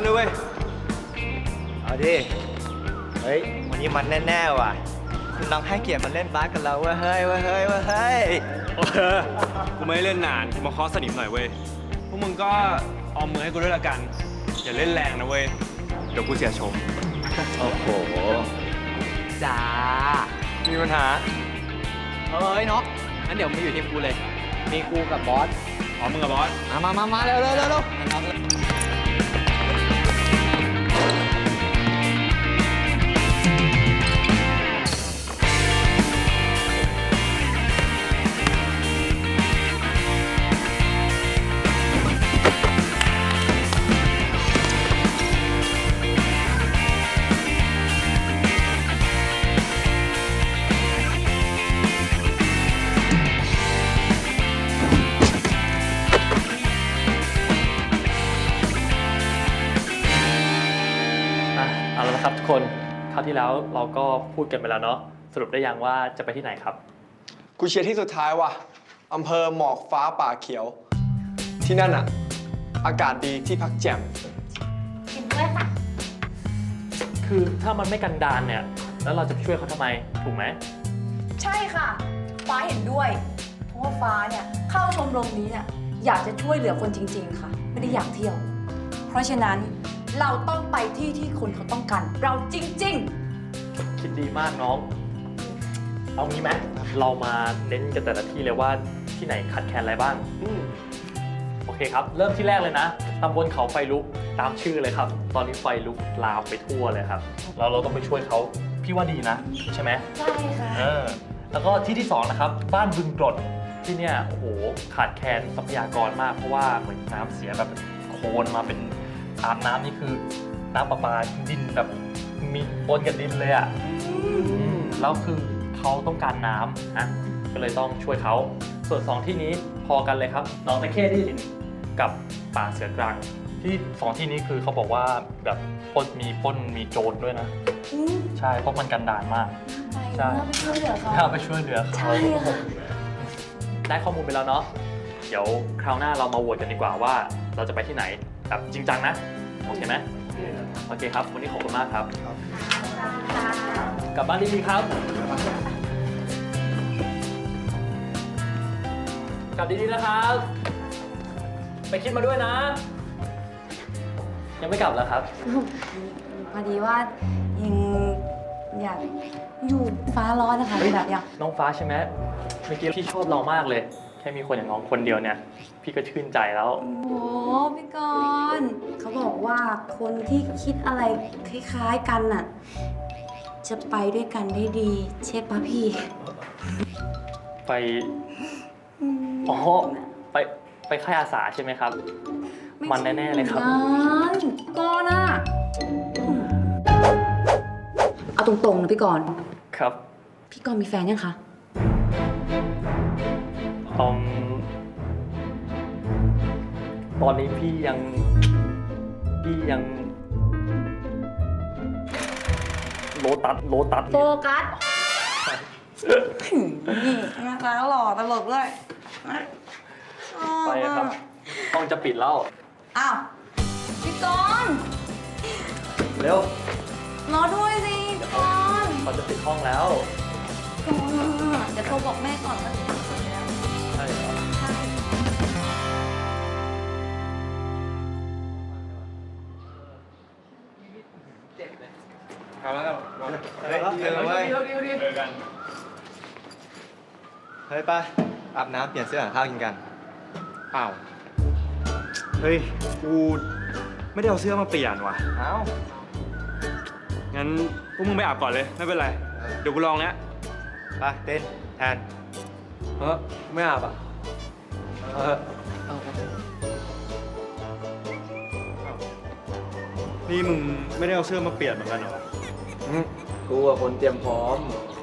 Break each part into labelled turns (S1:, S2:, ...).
S1: เลยเว้ย
S2: เอาดิเฮ้ยวันนี้มันแน่ๆว่ะคุณน้องให้เกียรติมาเล่นบาสกับเราเว้ยเฮ้ย
S1: กูไม่เล่นนานกูมาเคาะสนิมหน่อยเว้ยพวกมึงก็ออมมือให้กูด้วยละกันอย่าเล่นแรงนะเว้ยเดี๋ยวกูเสียชม
S2: โอ้โหจ้า
S1: มีปัญหา
S2: เฮ้ยน็อกงั้นเดี๋ยวมาอยู่ทีมกูเลยมีกูกับบอส
S1: อ๋อมึงกับบอส
S2: มาเร็ว
S3: เอาละครับทุกคนคราวที่แล้วเราก็พูดกันไปแล้วเนาะสรุปได้ยังว่าจะไปที่ไหนครับ
S4: กูเชียร์ที่สุดท้ายว่ะอำเภอหมอกฟ้าป่าเขียวที่นั่นอะอากาศดีที่พักแจ่ม
S5: เห็นด้วยค่ะ
S3: คือถ้ามันไม่กันดารเนี่ยแล้วเราจะไปช่วยเขาทำไมถูกไหม
S5: ใช่ค่ะฟ้าเห็นด้วยเพราะว่าฟ้าเนี่ยเข้าชมรมนี้เนี่ยอยากจะช่วยเหลือคนจริงๆค่ะไม่ได้อยากเที่ยวเพราะฉะนั้นเราต้องไปที่คนเขาต้องการเราจริง
S3: ๆคิดดีมากน้องเอางี้ไหมเรามาเน้นกันแต่ละที่เลยว่าที่ไหนขาดแคลนอะไรบ้างโอเคครับเริ่มที่แรกเลยนะตำบลเขาไฟลุกตามชื่อเลยครับตอนนี้ไฟลุกลามไปทั่วเลยครับเราต้องไปช่วยเขาพี่ว่าดีนะใช่ไหม
S5: ใช่ค่ะ
S3: แล้วก็ที่สองนะครับบ้านบึงกรดที่เนี่ยโอ้โหขาดแคลนทรัพยากรมากเพราะว่าเหมือนน้ำเสียแบบโคลนมาเป็นอาบน้ำนี่คือน้ำประปาดินแบบมีปนกับดินเลยอ่ะแล้วคือเขาต้องการน้ำนะก็เลยต้องช่วยเขาส่วน2ที่นี้พอกันเลยครับหนองตะเข้ที่กับป่าเสือกลางที่2ที่นี้คือเขาบอกว่าแบบปล้นมีโจรด้วยนะใช่เพราะมันกันดารมาก
S5: ใช่ไปช่วยเหลือเขา
S3: ไปช่วยเหลือเขาได้ข้อมูลไปแล้วเนาะเดี๋ยวคราวหน้าเรามาโหวตกันดีกว่าว่าเราจะไปที่ไหนแบบจริงจังนะโอเคไหมโอเคครับวันนี้ขอบคุณมากครับกลับบ้านดีๆครับกลับดีๆนะครับไปคิดมาด้วยนะยังไม่กลับแล้วครับ
S5: พอดีว่ายังอยากอยู่ฟ้าร้อนนะคะแบบอย่าง
S3: น้องฟ้าใช่ไหมเมื่อกี้พี่ชอบเรามากเลยแค่มีคนอย่างน้องคนเดียวเนี่ยพี่ก็ชื่นใจแล้ว
S5: โอ้พี่กรณ์เขาบอกว่าคนที่คิดอะไรคล้ายๆกันน่ะจะไปด้วยกันได้ดีใช่ปะพี่
S3: ไปอ๋อไปค่ายอาสาใช่ไหมครับมันแน่ๆเลยครับ
S5: ก็น่ะเอาตรงๆนะพี่กรณ์
S3: ครับ
S5: พี่กรณ์มีแฟนยังคะ
S3: ตอนนี้พี่ยังโลตัส
S5: โฟกัสนะคะหล่อตลกด้วย
S3: ไปครับห้องจะปิดแล้ว
S5: อ้าวพี่กรณ์
S3: เร็ว
S5: รอด้วยสิพี่กรณ์
S3: เขาจะปิดห้องแล้ว
S5: เดี๋ยวโทรบอกแม่ก่อนว่าจะปิดแล้ว
S3: ใช่ครับ
S5: ใช่
S1: เอาแล้ว
S2: เจอไว้เฮ้ยป้าอาบน้ำเปลี่ยนเสื้อหาข้าวกินกัน
S1: อ้าวเฮ้ยกูไม่ได้เอาเสื้อมาเปลี่ยนว่ะ
S2: อ้าว
S1: งั้นพวกมึงไปอาบก่อนเลยไม่เป็นไรเดี๋ยวกูลองแล้ว
S2: ไปเต้นแทน
S4: ไม่อาบอ่ะ
S1: นี่มึงไม่ได้เอาเสื้อมาเปลี่ยนเหมือนกันเหรอ
S4: กูอะคนเตรียมพร้อม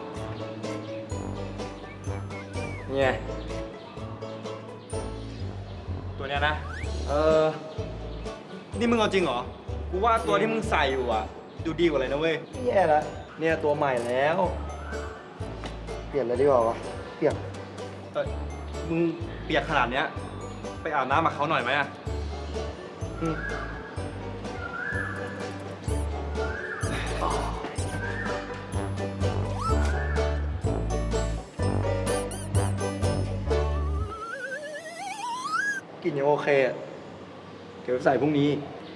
S4: เนี่ย
S1: ตัวเนี้ยนะนี่มึงเอาจริงเหรอกูว่าตัวที่มึงใส่อยู่อ่ะดูดีกว่าเลยนะเว้ย
S2: แย่ละเนี่ยตัวใหม่แล้วเปลี่ยนเลยดีกว่าวะเปลี่ยน
S1: มึงเปียกขนาดเนี้ยไปอาบน้ำกับเขาหน่อยไหมอ่ะ
S2: กลิ่นยังโอเคอะเดี๋ยวใส่พรุ่งนี้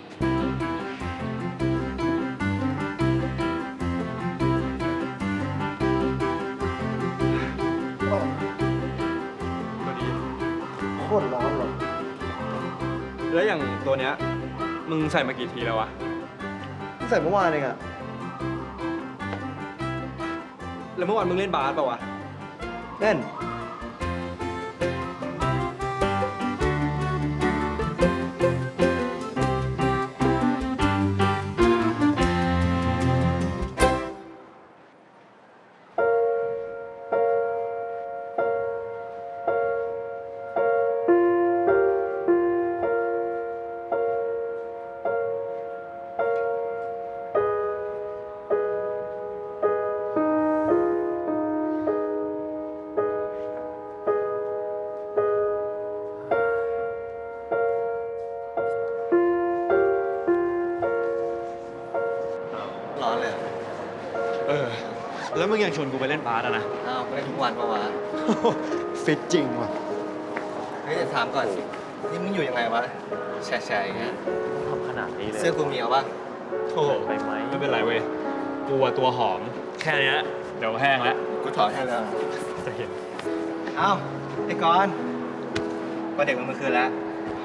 S1: ก็ดี
S2: โคตรร้อนเลย
S1: แล้วอย่างตัวเนี้ย มึงใส่มากี่ทีแล้ววะ
S2: ใส่เมื่อวานเองอะ
S1: แล้วเมื่อวานมึงเล่นบาสเปล่าวะ
S2: เล่น ร้อนเลย
S1: เออ แล้วมึงยังชวนกูไปเล่นบาสอะนะ
S2: อ้าวเล่นทุกวันปะวะ ฟิตจริงว่ะ เฮ้ยแต่ถามก่อน นี่มึงอยู่ยังไงวะ แฉะๆอย่างเงี้ย
S3: ทำขนาดนี้เลย
S2: เสื้อกูมีเอาปะ
S1: โอ้โห
S3: ไปไหม
S1: ไม่เป็นไรเว้ย กูอะตัวหอม แค่เนี้ยเดี๋ยวแห้งแล้ว
S2: กูถอดให้แล้ว
S1: จะเห็น
S2: เอ้าไอ้กอนวันเด็กมันเมื่อคืนแล้ว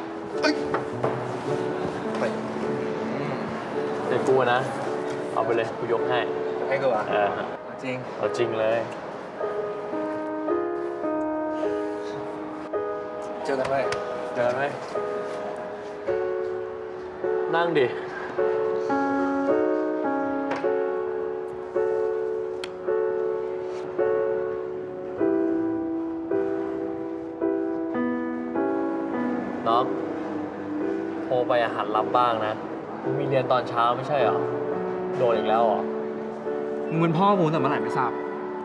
S2: ไป
S3: เดี๋ยวกูนะ เอาไปเลย กูยกให้
S2: ให้กูอ่ะ
S3: เออ
S2: จริง
S3: เอาจริงเลย
S2: เจอกันไหม
S3: เดินไหม นั่งดิ น้องโทรไปอาหารรับบ้างนะมึงมีเรียนตอนเช้าไม่ใช่เหรอ โดนอีกแล้วเหรอ
S1: มึงเป็นพ่อกูแต่เมื่อไหร่ไม่ทราบ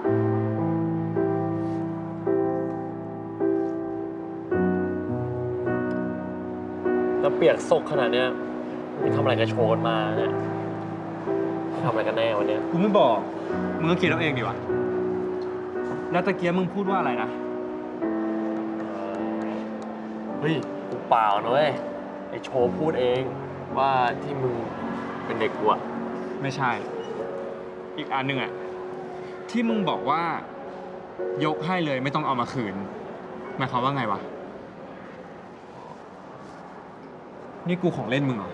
S3: แล้วเปียกซกขนาดเนี้ยมึงทำอะไรกับโชนมาเนี่ยทำอะไรกันแน่วันเนี้ย
S1: กูไม่บอก มึงก็คิดเอาเองดีวะ แล้วตะเกียบมึงพูดว่าอะไรนะ
S3: เฮ้ย กูเปล่านะเว้ย ไอโชว์พูดเองว่าที่มึงเป็นเด็กกูอะ
S1: ไม่ใช่ อีกอันหนึ่งอะที่มึงบอกว่ายกให้เลยไม่ต้องเอามาคืนหมายความว่าไงวะ นี่กูของเล่นมึงเหรอ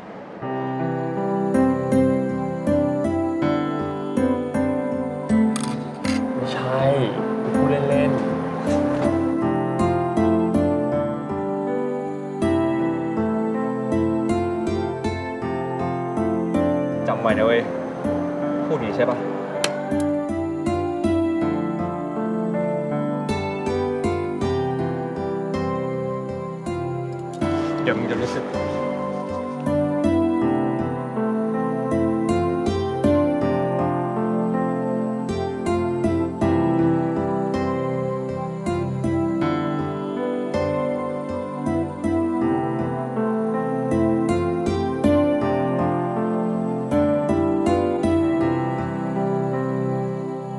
S3: ไม่ใช่กูพูดเล่น
S1: จำไว้นะเว้ย พูดอย่างนี้ใช่ปะเดี๋ยวมึงจะรู้สึก